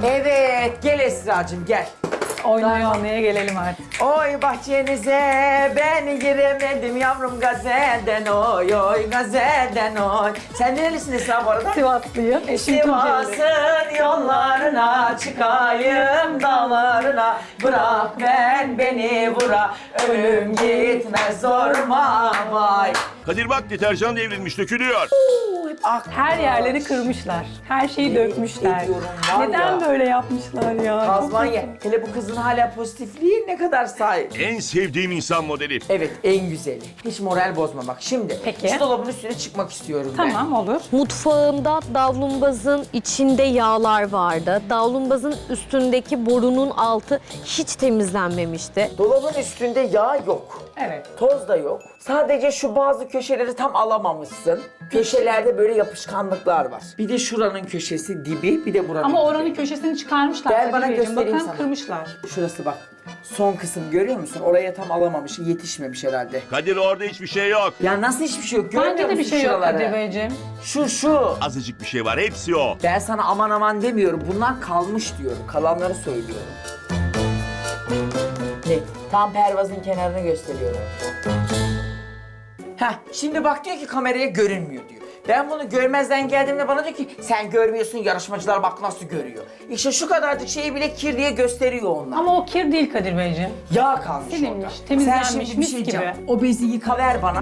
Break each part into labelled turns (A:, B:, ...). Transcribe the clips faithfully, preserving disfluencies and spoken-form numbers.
A: Evet, gel Esra'cığım gel.
B: Oynaya oynaya gelelim artık.
A: Oy bahçenize ben giremedim yavrum gazelden oy oy gazelden oy. Sen nerelisin Esra bu arada?
B: Sivaslıyım. Eşim Tunceli.
A: Sivas'ın yollarına çıkayım dağlarına. Bırak ben beni vura ölüm gitmez zorma vay.
C: Kadir bak deterjan devrilmiş, dökülüyor.
A: Ah,
B: Her yerleri kırmışlar. Her şeyi
A: Yemin
B: dökmüşler.
A: ediyorum var
B: Neden
A: ya.
B: böyle yapmışlar ya? Çok
A: Azmanya.
B: kötü.
A: Hele bu kızın hala pozitifliği ne kadar sahip.
C: En sevdiğim insan modeli.
A: Evet en güzeli. Hiç moral bozma bak. Şimdi
B: Peki.
A: şu dolabın üstüne çıkmak istiyorum ben.
B: Tamam olur.
D: Mutfağımda davlumbazın içinde yağlar vardı. Davlumbazın üstündeki borunun altı hiç temizlenmemişti.
A: Dolabın üstünde yağ yok.
B: Evet.
A: Toz da yok. Sadece şu bazı köşeleri tam alamamışsın. Köşelerde böyle yapışkanlıklar var. Bir de şuranın köşesi dibi, bir de buranın
B: Ama
A: dibi.
B: oranın köşesini çıkarmışlar.
A: Gel
B: Kadir
A: bana
B: Beyciğim.
A: göstereyim
B: Bakın
A: sana.
B: kırmışlar.
A: Şurası bak. Son kısım görüyor musun? Oraya tam alamamış, yetişmemiş herhalde.
C: Kadir orada hiçbir şey yok.
A: Ya nasıl hiçbir şey yok? Görmüyor
B: Bence de bir
A: musun
B: şey yok
A: şuraları?
B: Kadir Beyciğim.
A: Şu şu.
C: Azıcık bir şey var, hepsi o.
A: Ben sana aman aman demiyorum. Bunlar kalmış diyorum. Kalanları söylüyorum. Ne? Tam pervazın kenarını gösteriyorum. Heh, şimdi bak diyor ki kameraya görünmüyor diyor. Ben bunu görmezden geldiğimde bana diyor ki sen görmüyorsun, yarışmacılar bak nasıl görüyor. İşte şu kadarcık şeyi bile kir diye gösteriyor onlar.
B: Ama o kir değil Kadir Beyciğim.
A: Yağ kalmış
B: Silinmiş,
A: orada.
B: temizlenmiş,
A: Sen şimdi bir
B: mis
A: şey
B: gibi.
A: diyeceğim. O bezi yıkaver bana.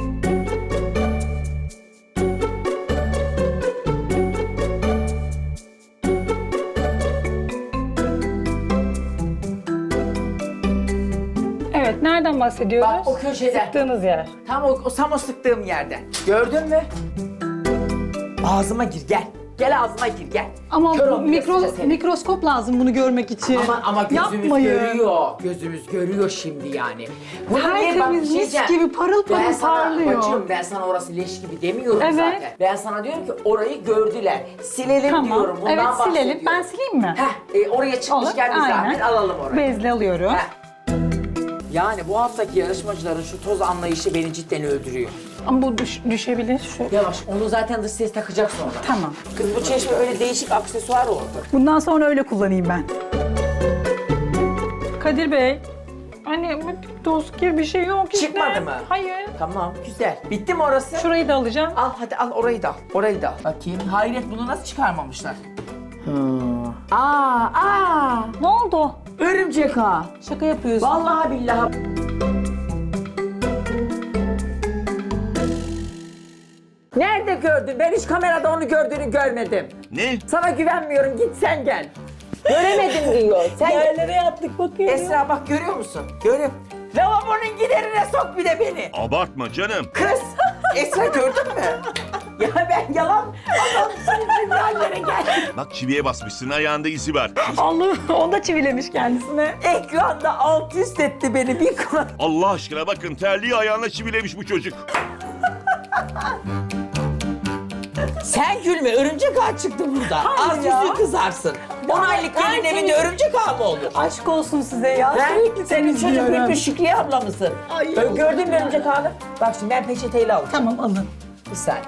B: Evet, nereden bahsediyoruz?
A: Bak o köşeden.
B: Sıktığınız yer.
A: Tam o, o tam o sıktığım yerden. Gördün mü? Ağzıma gir gel. Gel ağzıma gir gel.
B: Ama
A: Kör
B: bu
A: olmayasıca
B: mikro,
A: seni.
B: mikroskop lazım bunu görmek için.
A: Ama, ama gözümüz
B: Yapmayın.
A: görüyor. Gözümüz görüyor şimdi yani. Bunu
B: Tertemiz,
A: niye bak bir şey
B: mis
A: diyeceğim.
B: gibi parıl parıl
A: Ben sana
B: parlıyor.
A: bacım ben sana orası leş gibi demiyorum
B: Evet.
A: zaten. Ben sana diyorum ki orayı gördüler. Silelim
B: Tamam.
A: diyorum. Bundan
B: Evet silelim.
A: bahsediyorum.
B: Ben sileyim mi?
A: Heh, e, oraya çıkmışken bir zahmet alalım orayı.
B: Bezle alıyorum.
A: Heh. Yani bu haftaki yarışmacıların şu toz anlayışı beni cidden öldürüyor.
B: Ama bu düş- düşebilir. Şu.
A: Yavaş, onu zaten dış ses takacak sonra.
B: Tamam.
A: Kız bu çeşme öyle değişik aksesuar oldu.
B: Bundan sonra öyle kullanayım ben. Kadir Bey. Hani toz kir bir şey yok işte.
A: Çıkmadı mı?
B: Hayır.
A: Tamam, güzel. Bitti mi orası?
B: Şurayı da alacağım.
A: Al hadi al orayı da al. Orayı da al. Bakayım. Hayret bunu nasıl çıkarmamışlar? Hmm. Aa, aa.
B: Ne oldu?
A: Örümcek ha.
B: Şaka yapıyorsun.
A: Vallahi billahi. Nerede gördün? Ben hiç kamerada onu gördüğünü görmedim.
C: Ne?
A: Sana güvenmiyorum. Git sen gel. Göremedim diyor. Sen
B: Yerlere yattık bakıyorum.
A: Esra bak görüyor musun? Görüyorum. Lavabonun giderine sok bir de beni.
C: Abartma canım.
A: Kız, Esra gördün mü? Ya ben yalan adamsın, yerlere gel.
C: Bak çiviye basmışsın, ayağında izi var.
B: Allah'ım o da çivilemiş kendisine.
A: Ekranda alt üst etti beni bir konu.
C: Allah aşkına bakın, terliği ayağına çivilemiş bu çocuk.
A: Sen gülme, örümcek ağı çıktı burada.
B: Hayır
A: Az
B: ya.
A: yüzü kızarsın. On aylık gelin
B: Tertemiz.
A: evinde örümcek ağı mı olur?
B: Aşk olsun size ya.
A: Ben
B: Sürekli
A: senin çocuk
B: temizliyorum.
A: büyük Şükriye abla mısın?
B: Ay,
A: Böyle
B: Allah
A: gördün mü
B: ya.
A: örümcek ağını? Bak şimdi ben peçeteyle alacağım.
B: Tamam alın.
A: Bir saniye.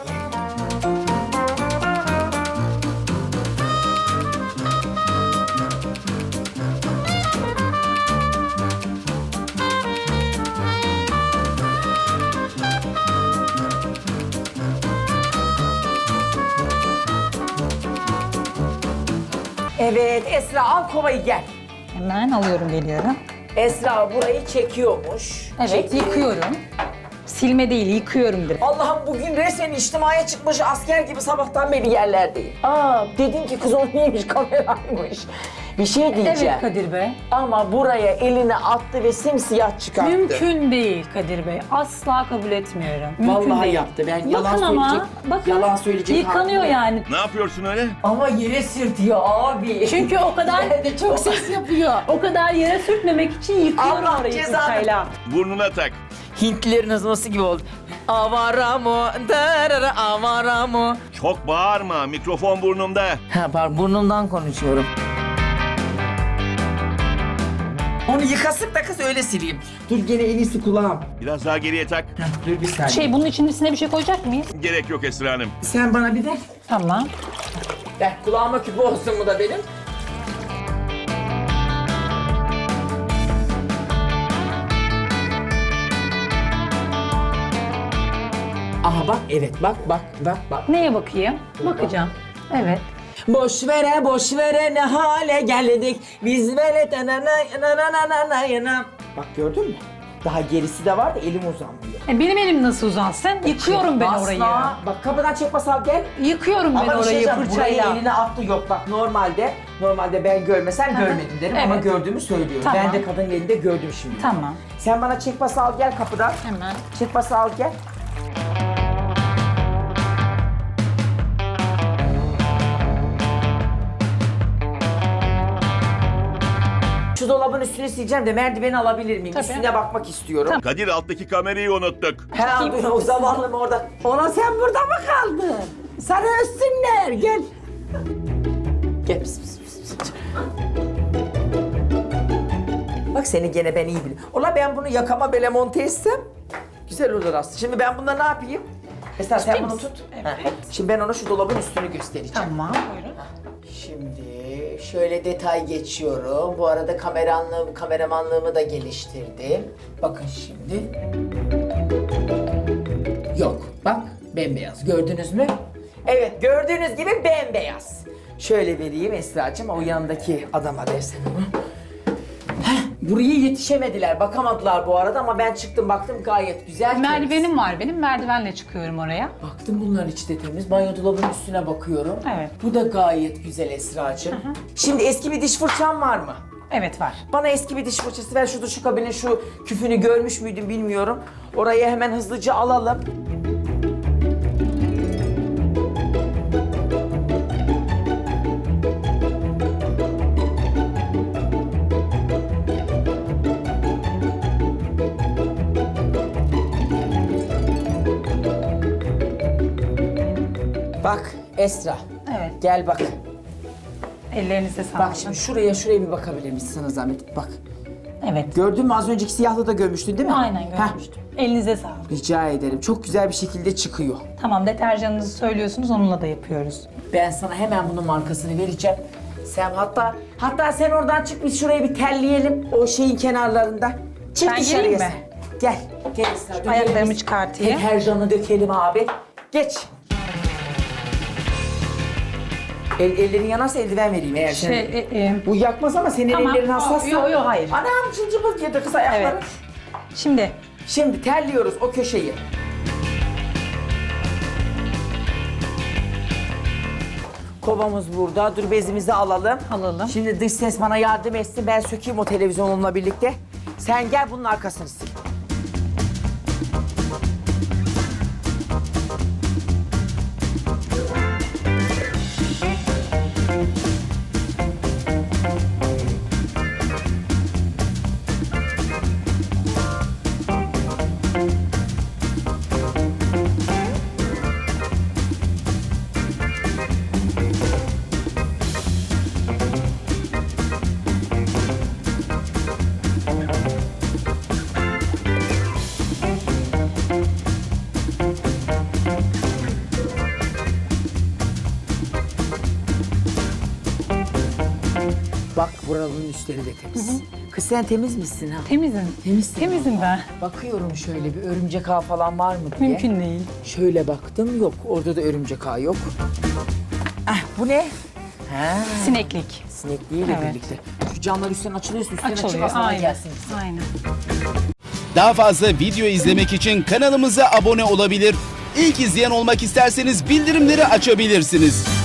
A: Evet Esra al kovayı gel.
B: Hemen alıyorum geliyorum.
A: Esra burayı çekiyormuş.
B: Evet
A: Çekiyor.
B: yıkıyorum. Silme değil yıkıyorum direkt.
A: Allah'ım bugün resmen içtimaya çıkmış asker gibi sabahtan beri yerlerdeyim. Aa dedim ki kız o neymiş kameraymış. Bir şey diyeceğim.
B: Evet Kadir Bey.
A: Ama buraya elini attı ve simsiyah çıkarttı.
B: Mümkün değil Kadir Bey. Asla kabul etmiyorum. Mümkün
A: Vallahi
B: değil.
A: yaptı. Ben yalan
B: bakın ama,
A: söyleyecek.
B: bakın,
A: yalan söyleyecek.
B: yıkanıyor
A: halim yok.
B: yani.
C: Ne yapıyorsun öyle?
A: Ama yere sürtüyor abi.
B: Çünkü o kadar
A: Ben de çok ses yapıyor.
B: o kadar yere sürtmemek için yıkıyorum
A: Allah
B: orayı
A: cezanı.
B: fırçayla.
C: Burnuna tak.
A: Hintlilerin azması gibi oldu. Avara mı? Darara avara mı?
C: Çok bağırma, mikrofon burnumda.
A: Ha pardon burnumdan konuşuyorum. Onu yıkasıp da kız öyle sileyim. Dur gene en iyisi kulağım.
C: Biraz daha geriye tak.
A: Dur bir saniye.
B: Şey bunun içine bir şey koyacak mıyız?
C: Gerek yok Esra Hanım.
A: Sen bana bir ver.
B: Tamam.
A: Ver kulağıma küpe olsun bu da benim. Aha bak, evet bak bak bak bak.
B: Neye bakayım? Bakacağım. Evet.
A: Boş vere boş vere ne hale geldik. Biz böyle Bak gördün mü? Daha gerisi de var da elim uzanmıyor.
B: E benim elim nasıl uzansın? Yıkıyorum ben
A: Asla.
B: orayı.
A: Bak kapıdan çek basal gel.
B: Yıkıyorum ben
A: Ama bir şey
B: orayı
A: diyeceğim, burayı
B: fırçayla.
A: eline attı yok bak normalde normalde ben görmesem görmedim derim ama
B: Evet.
A: gördüğümü söylüyorum.
B: Tamam.
A: Ben de kadının elinde gördüm şimdi.
B: Tamam.
A: Sen bana çek bas al gel kapıdan.
B: Hemen.
A: Çek bas al gel. Şu dolabın üstünü sileceğim de merdiveni alabilir miyim?
B: Tabii.
A: Üstüne bakmak istiyorum.
C: Kadir alttaki kamerayı unuttuk.
A: He dur o zavallım orada. Ona sen burada mı kaldın? Sana össünler gel. Gel. Pis, pis, pis, pis. Bak seni gene ben iyi biliyorum. Ola ben bunu yakama böyle monte etsem güzel olur aslında. Şimdi ben bunda ne yapayım? Esra sen bunu
B: misin?
A: tut.
B: Evet.
A: Heh. Şimdi ben ona şu dolabın üstünü göstereceğim.
B: Tamam. Buyurun.
A: Şimdi şöyle detay geçiyorum. Bu arada kameranlığım, kameramanlığımı da geliştirdim. Bakın şimdi. Yok bak bembeyaz gördünüz mü? Evet gördüğünüz gibi bembeyaz. Şöyle vereyim Esra'cığım o yanındaki adama versen onu. Heh, buraya yetişemediler bakamadılar bu arada ama ben çıktım baktım gayet güzel. temiz.
B: Merdivenim var benim. Merdivenle çıkıyorum oraya.
A: Baktım bunların içi de temiz. Banyo dolabının üstüne bakıyorum.
B: Evet.
A: Bu da gayet güzel Esra'cığım. Şimdi eski bir diş fırçam var mı?
B: Evet var.
A: Bana eski bir diş fırçası ver. Şu duşu kabinin şu küfünü görmüş müydüm bilmiyorum. Orayı hemen hızlıca alalım. Bak Esra.
B: Evet.
A: Gel bak.
B: Ellerinize sağlık.
A: Bak şimdi şuraya şuraya bir bakabilir misin sana zahmet? Bak.
B: Evet.
A: Gördün mü az önceki siyahlı da görmüştün değil mi?
B: Aynen
A: Heh,
B: görmüştüm. Elinize sağlık.
A: rica ederim. Çok güzel bir şekilde çıkıyor.
B: Tamam, deterjanınızı söylüyorsunuz, onunla da yapıyoruz.
A: Ben sana hemen bunun markasını vereceğim. Sen hatta hatta sen oradan çık biz şurayı bir telleyelim o şeyin kenarlarında. Çık
B: Ben
A: dışarıya
B: geleyim
A: sen.
B: mi?
A: Gel. Gel Esra. dökelim
B: Ayaklarımı
A: biz.
B: çıkartayım.
A: Deterjanı dökelim abi. Geç. El, ellerin yanarsa eldiven vereyim eğer sen.
B: Şey, e, e,
A: Bu yakmaz ama senin
B: Tamam.
A: ellerin hassas.
B: Yo, yo, hayır.
A: Anam cılcıbık yedi kız ayakları.
B: evet. Şimdi
A: Şimdi terliyoruz o köşeyi. Kovamız burada. Dur bezimizi alalım.
B: Alalım.
A: Şimdi dış ses bana yardım etsin. Ben sökeyim o televizyonumla birlikte. Sen gel bunun arkasını sil. Bak buranın üstleri de temiz. Kız sen temiz misin ha?
B: temizim.
A: Temizsin.
B: Temizim ben.
A: Bakıyorum şöyle bir örümcek ağ falan var mı diye.
B: Mümkün değil.
A: Şöyle baktım yok. Orada da örümcek ağ yok. Ah bu ne? Ha,
B: Sineklik.
A: sinekliğiyle
B: Evet.
A: birlikte. Şu camlar üstten açılıyorsa üstten açık
B: Açılıyor.
A: aslında
B: Aynen.
A: gelsin.
B: Aynen.
E: Daha fazla video izlemek için kanalımıza abone olabilir. İlk izleyen olmak isterseniz bildirimleri açabilirsiniz.